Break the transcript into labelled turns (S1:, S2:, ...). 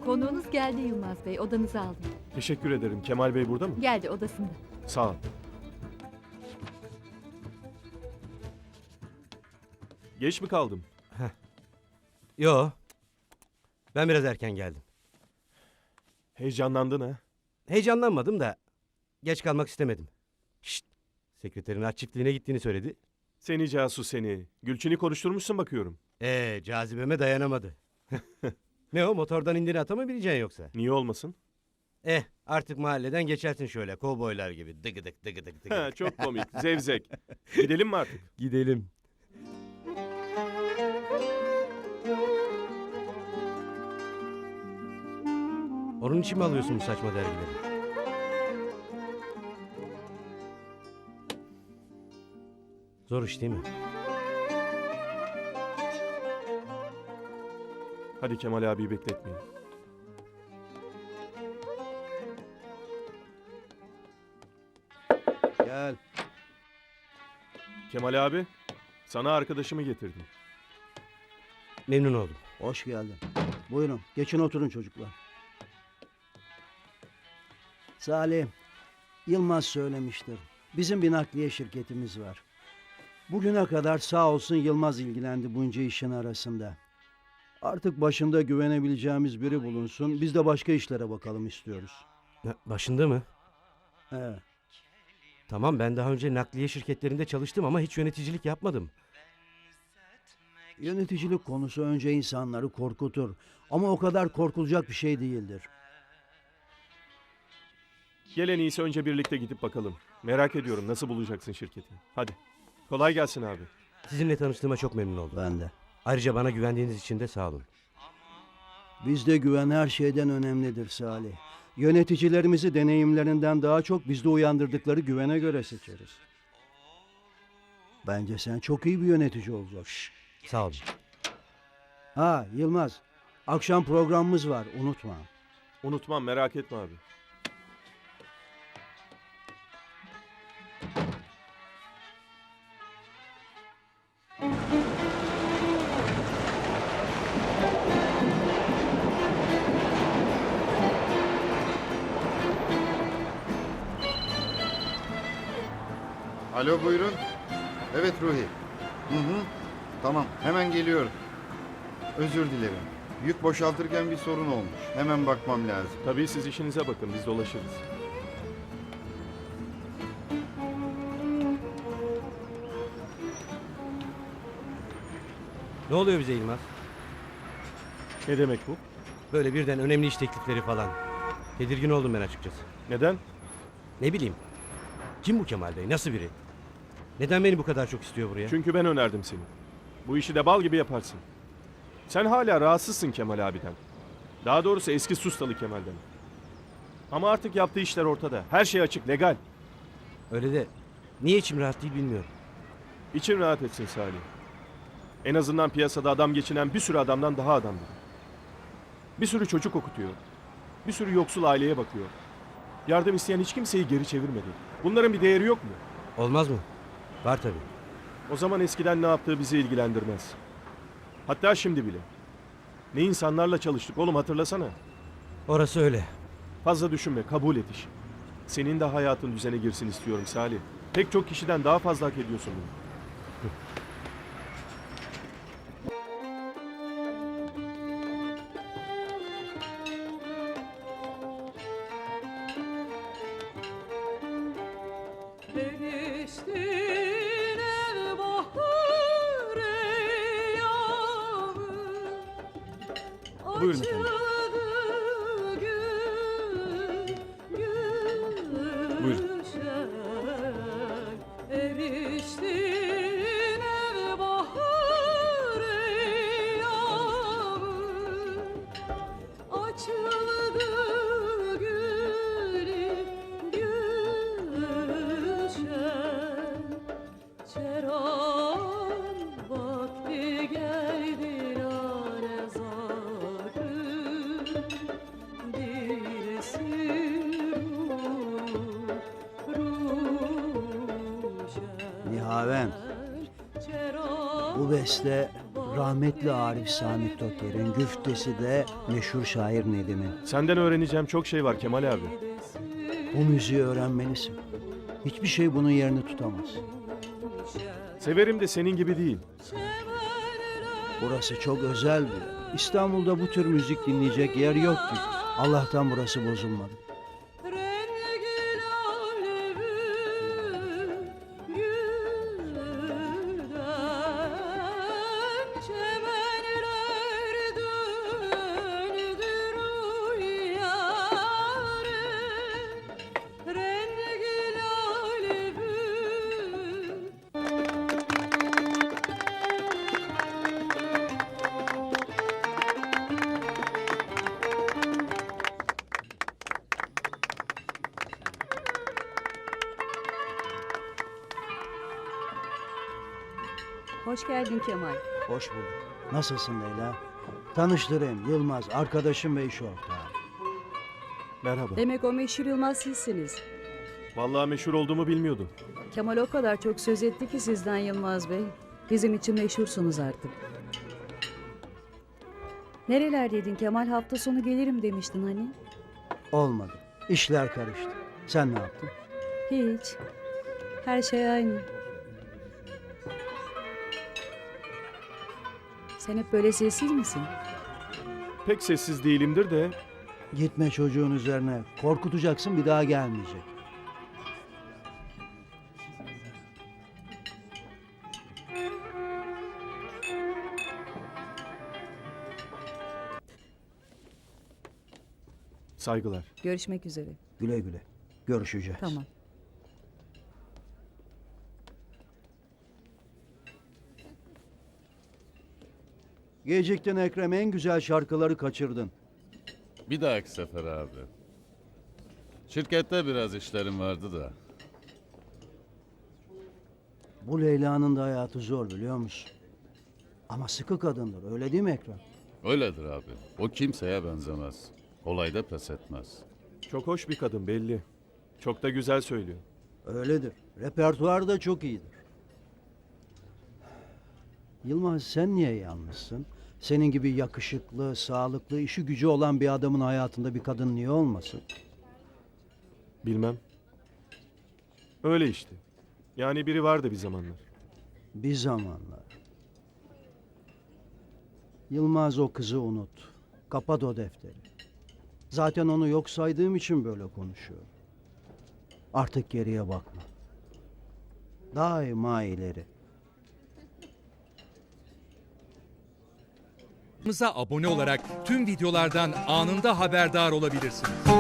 S1: Konuğunuz geldi Yılmaz Bey. Odanızı aldım.
S2: Teşekkür ederim. Kemal Bey burada mı?
S1: Geldi odasında.
S2: Sağ ol. Geç mi kaldım?
S3: Yo. Ben biraz erken geldim.
S2: Heyecanlandın ha?
S3: Heyecanlanmadım da geç kalmak istemedim. Şşt. Sekreterin aç çiftliğine gittiğini söyledi.
S2: Seni casus seni. Gülçin'i konuşturmuşsun bakıyorum.
S3: Cazibeme dayanamadı. Ne o, motordan indiğini ata mı bileceksin yoksa?
S2: Niye olmasın?
S3: Artık mahalleden geçersin şöyle kovboylar gibi. Dıgıdık dıgıdık
S2: Ha,
S3: dıgıdık.
S2: çok komik. Zevzek. Gidelim mi artık?
S3: Gidelim. Onun için mi alıyorsun bu saçma dergileri? Zor iş değil mi?
S2: Hadi Kemal abiyi bekletmeyin.
S4: Gel.
S2: Kemal abi, sana arkadaşımı getirdim.
S3: Memnun oldum.
S4: Hoş geldin. Buyurun. Geçin oturun çocuklar. Salih, Yılmaz söylemiştir. Bizim bir nakliye şirketimiz var. Bugüne kadar sağ olsun Yılmaz ilgilendi bunca işin arasında. Artık başında güvenebileceğimiz biri bulunsun. Biz de başka işlere bakalım istiyoruz.
S3: Başında mı?
S4: Evet.
S3: Tamam, ben daha önce nakliye şirketlerinde çalıştım ama hiç yöneticilik yapmadım.
S4: Yöneticilik konusu önce insanları korkutur. Ama o kadar korkulacak bir şey değildir.
S2: Gel en iyisi önce birlikte gidip bakalım. Merak ediyorum nasıl bulacaksın şirketi. Hadi. Kolay gelsin abi.
S3: Sizinle tanıştığıma çok memnun oldum.
S4: Ben de.
S3: Ayrıca bana güvendiğiniz için de sağ olun.
S4: Bizde güven her şeyden önemlidir Salih. Yöneticilerimizi deneyimlerinden daha çok bizde uyandırdıkları güvene göre seçeriz. Bence sen çok iyi bir yönetici olacaksın.
S3: Sağ olun.
S4: Ha Yılmaz, akşam programımız var, unutma.
S2: Unutmam, merak etme abi.
S5: Alo buyurun. Evet Ruhi. Tamam hemen geliyorum. Özür dilerim. Yük boşaltırken bir sorun olmuş. Hemen bakmam lazım.
S2: Tabii siz işinize bakın, biz dolaşırız.
S3: Ne oluyor bize Yılmaz?
S2: Ne demek bu?
S3: Böyle birden önemli iş teklifleri falan. Tedirgin oldum ben açıkçası.
S2: Neden?
S3: Ne bileyim. Kim bu Kemal Bey? Nasıl biri? Neden beni bu kadar çok istiyor buraya?
S2: Çünkü ben önerdim seni. Bu işi de bal gibi yaparsın. Sen hala rahatsızsın Kemal abiden. Daha doğrusu eski Sustalı Kemal'den. Ama artık yaptığı işler ortada. Her şey açık, legal.
S3: Öyle de niye içim rahat değil bilmiyorum.
S2: İçin rahat etsin Salih. En azından piyasada adam geçinen bir sürü adamdan daha adamdır. Bir sürü çocuk okutuyor. Bir sürü yoksul aileye bakıyor. Yardım isteyen hiç kimseyi geri çevirmedi. Bunların bir değeri yok mu?
S3: Olmaz mı? Var tabii.
S2: O zaman eskiden ne yaptığı bizi ilgilendirmez. Hatta şimdi bile. Ne insanlarla çalıştık oğlum, hatırlasana.
S3: Orası öyle.
S2: Fazla düşünme, kabul et işi. Senin de hayatın düzene girsin istiyorum Salih. Pek çok kişiden daha fazla hak ediyorsun bunu. Buyurun efendim. Buyurun.
S4: Nihaven, bu beste rahmetli Arif Sami Toker'in, güftesi de meşhur şair Nedim'in.
S2: Senden öğreneceğim çok şey var Kemal abi.
S4: Bu müziği öğrenmelisin. Hiçbir şey bunun yerini tutamaz.
S2: Severim de senin gibi değil.
S4: Burası çok özel bir yer. İstanbul'da bu tür müzik dinleyecek yer yok ki. Allah'tan burası bozulmadı.
S1: Hoş geldin Kemal.
S4: Hoş bulduk. Nasılsın Leyla? Tanıştırayım, Yılmaz, arkadaşım ve iş ortağım.
S2: Merhaba.
S6: Demek o meşhur Yılmaz sizsiniz.
S2: Vallahi meşhur olduğumu bilmiyordum.
S6: Kemal o kadar çok söz etti ki sizden Yılmaz Bey. Bizim için meşhursunuz artık. Nerelerdeydin Kemal? Hafta sonu gelirim demiştin hani.
S4: Olmadı. İşler karıştı. Sen ne yaptın?
S6: Hiç. Her şey aynı. Sen hep böyle sessiz misin?
S2: Pek sessiz değilimdir de
S4: Gitme çocuğun üzerine. Korkutacaksın, bir daha gelmeyecek.
S2: saygılar.
S6: Görüşmek üzere.
S4: Güle güle. Görüşeceğiz.
S6: Tamam.
S4: Geciktin Ekrem, en güzel şarkıları kaçırdın.
S7: Bir dahaki sefer abi. Şirkette biraz işlerim vardı da.
S4: Bu Leyla'nın da hayatı zor, biliyor musun? Ama sıkı kadındır, öyle değil mi Ekrem?
S7: Öyledir abi. O kimseye benzemez. Olayda pes etmez.
S2: Çok hoş bir kadın belli. Çok da güzel söylüyor.
S4: Öyledir. Repertuar da çok iyidir. Yılmaz, sen niye yalnızsın? Senin gibi yakışıklı, sağlıklı, işi gücü olan bir adamın hayatında bir kadın niye olmasın?
S2: Bilmem. Öyle işte. Yani biri vardı bir zamanlar.
S4: Bir zamanlar. Yılmaz, o kızı unut. Kapat o defteri. Zaten onu yok saydığım için böyle konuşuyorum. Artık geriye bakma. Daima ileri.
S8: Kanalımıza abone olarak tüm videolardan anında haberdar olabilirsiniz.